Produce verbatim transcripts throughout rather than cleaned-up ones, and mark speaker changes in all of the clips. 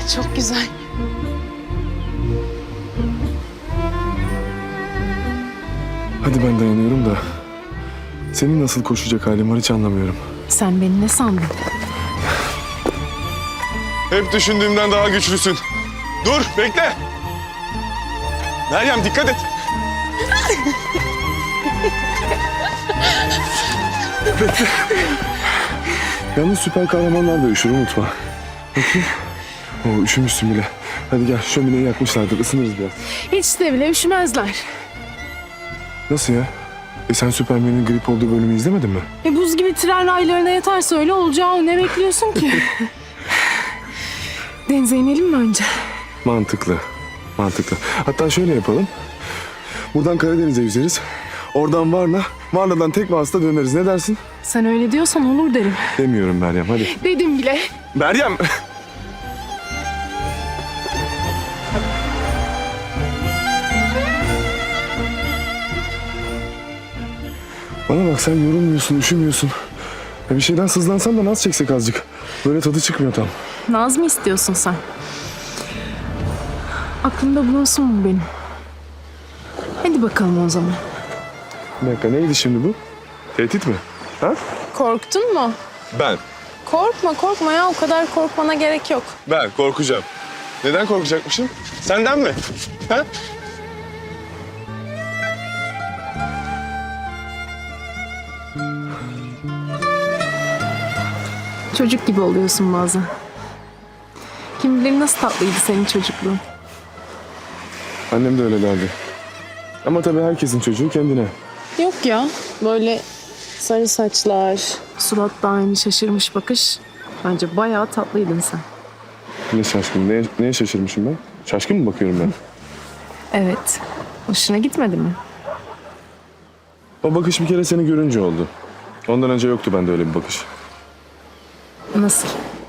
Speaker 1: Çok güzel.
Speaker 2: Hadi ben dayanıyorum da senin nasıl koşacak halin var hiç anlamıyorum.
Speaker 1: Sen beni ne sandın?
Speaker 2: Hep düşündüğümden daha güçlüsün. Dur, bekle. Meryem dikkat et. Bekle. Yalnız süper kahramanlar da üşür, unutma. Bakayım. Oo, üşümüşsün bile. Hadi gel, şömineyi yakmışlardır, ısınırız biraz.
Speaker 1: Hiç de bile üşümezler.
Speaker 2: Nasıl ya? E sen Süpermen'in grip olduğu bölümü izlemedin mi?
Speaker 1: E buz gibi tren raylarına yatarsa öyle olacağı, ne bekliyorsun ki? Denize inelim mi önce?
Speaker 2: Mantıklı, mantıklı. Hatta şöyle yapalım. Buradan Karadeniz'e yüzeriz. Oradan Varna, Varna'dan tek vasıta döneriz. Ne dersin?
Speaker 1: Sen öyle diyorsan olur derim.
Speaker 2: Demiyorum Meryem, hadi.
Speaker 1: Dedim bile.
Speaker 2: Meryem! Bana bak, sen yorulmuyorsun, üşümüyorsun. Ya bir şeyden sızlansan da naz çeksek azıcık. Böyle tadı çıkmıyor tam.
Speaker 1: Naz mı istiyorsun sen? Aklımda bulunsun mu benim? Hadi bakalım o zaman.
Speaker 2: Bir dakika, neydi şimdi bu? Tehdit mi? Ha?
Speaker 1: Korktun mu?
Speaker 2: Ben.
Speaker 1: Korkma korkma ya, o kadar korkmana gerek yok.
Speaker 2: Ben korkacağım. Neden korkacakmışım? Senden mi? Ha?
Speaker 1: Çocuk gibi oluyorsun bazen. Kim bilir nasıl tatlıydı senin çocukluğun.
Speaker 2: Annem de öyle derdi. Ama tabii herkesin çocuğu kendine.
Speaker 1: Yok ya, böyle sarı saçlar, suratta aynı şaşırmış bakış. Bence bayağı tatlıydın sen.
Speaker 2: Ne şaşkın, neye, neye şaşırmışım ben? Şaşkın mı bakıyorum ben?
Speaker 1: Evet, hoşuna gitmedi mi?
Speaker 2: O bakış bir kere seni görünce oldu. Ondan önce yoktu bende öyle bir bakış.
Speaker 1: Nasıl?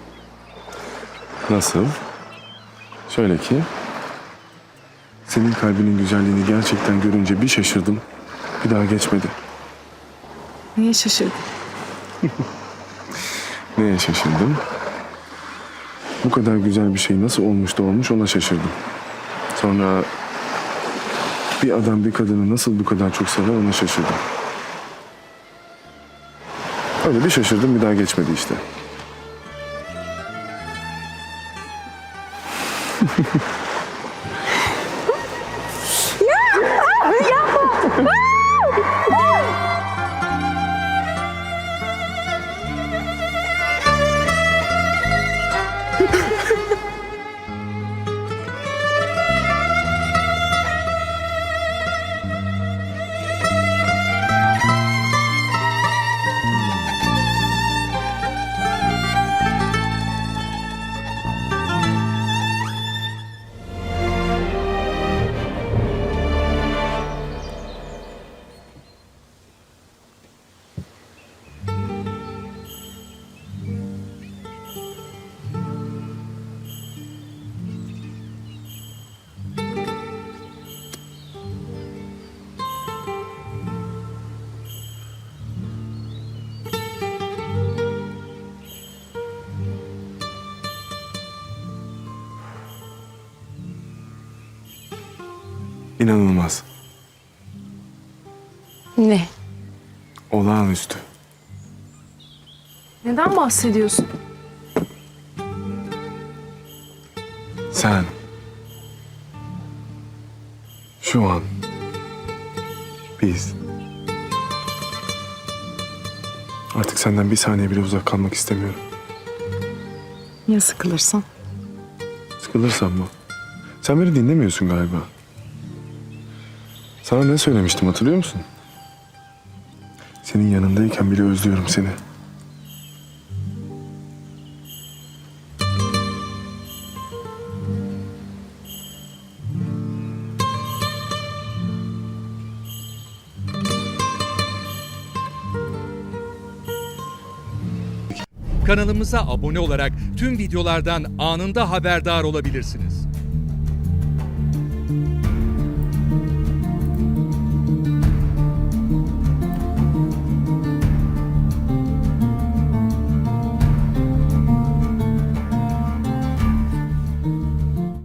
Speaker 2: Nasıl? Şöyle ki... Senin kalbinin güzelliğini gerçekten görünce bir şaşırdım. Bir daha geçmedi.
Speaker 1: Niye şaşırdın?
Speaker 2: Neye şaşırdım? Bu kadar güzel bir şey nasıl olmuş da olmuş ona şaşırdım. Sonra... Bir adam bir kadını nasıl bu kadar çok sever ona şaşırdım. Öyle bir şaşırdım, bir daha geçmedi işte. İnanılmaz.
Speaker 1: Ne?
Speaker 2: Olağanüstü.
Speaker 1: Neden bahsediyorsun?
Speaker 2: Sen... Şu an... Biz... Artık senden bir saniye bile uzak kalmak istemiyorum.
Speaker 1: Ya sıkılırsan?
Speaker 2: Sıkılırsam mı? Sen beni dinlemiyorsun galiba. Sana ne söylemiştim hatırlıyor musun? Senin yanındayken bile özlüyorum seni.
Speaker 3: Kanalımıza abone olarak tüm videolardan anında haberdar olabilirsiniz.